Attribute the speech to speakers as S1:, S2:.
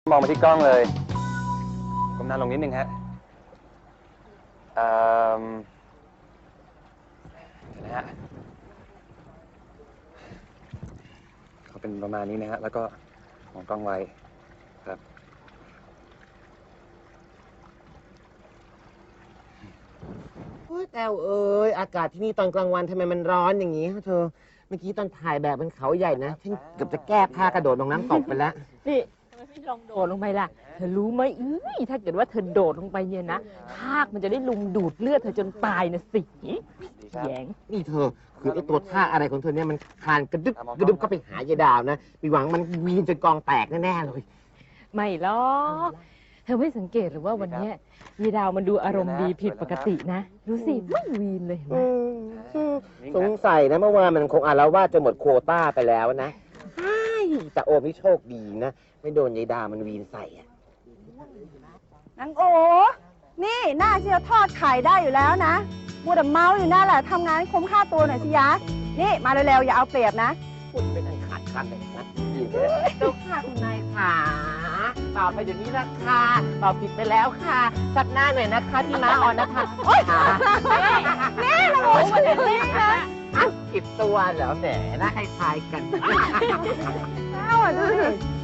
S1: มองมาที่กล้องเลยก้มหน้าลงนิดนึงฮะเดี๋ยวนะฮะเขาเป็นประมาณนี้นะฮะแล้วก็มองกล้องไว้ครับ
S2: แต้วเอ้ยอากาศที่นี่ตอนกลางวันทำไมมันร้อนอย่างนี้ฮะเธอเมื่อกี้ตอนถ่ายแบบบนเขาใหญ่นะฉันเกือบจะแก้ผ้ากระโดดลงน้ำตกไปแล้ว
S3: นี่ทำไมไม่ลองโดดลงไปล่ะ เธอรู้ไหมถ้าเกิดว่าเธอโดดลงไปเนี่ยนะทากมันจะได้ลุมดูดเลือดเธอจนตายนะสิแยง
S2: นี่เธอคือไอ้ตัวท่าอะไรของเธอเนี่ยมันคลานกระดึบกระดึบก็ไปหายายดาวนะมีหวังมันวีนจนกองแตกแน่ๆเลย
S3: ไม่หรอกเธอไม่สังเกตหรือว่าวันเนี้ยยีดาวมันดูอารมณ์ดีผิดปกตินะดูสิไม่วีนเลยเห็นไหม
S2: สงสัยนะเมื่อวานมันคงอาละวาดจนหมดโควต้าไปแล้วนะแต่โอมนี่โชคดีนะไม่โดนยายดามันวีนใส่อะ
S4: นางโอ นี่หน้าเชียวทอดไข่ได้อยู่แล้วนะมัวแต่เมาอยู่นั่นแหละทำงานให้คุ้มค่าตัวหน่อยสิยะ นี่มาเร็วๆอย่าเอาเปรียบนะ
S2: พูดเป็นอันขาดคำเลยนะเจ้าค่ะคุณนายค่ะตอบไปเดี๋ยวนี้ละค่ะตอบผิดไปแล้วค่ะสักหน้าหน่อยนะคะพี่ม้าออนนะคะโอ๊ยนี่นางโอมาเด็ดนี่นะผิดตัวเหรอแหมน่าคล้ายๆกัน
S4: เอาอ่ะดูสิ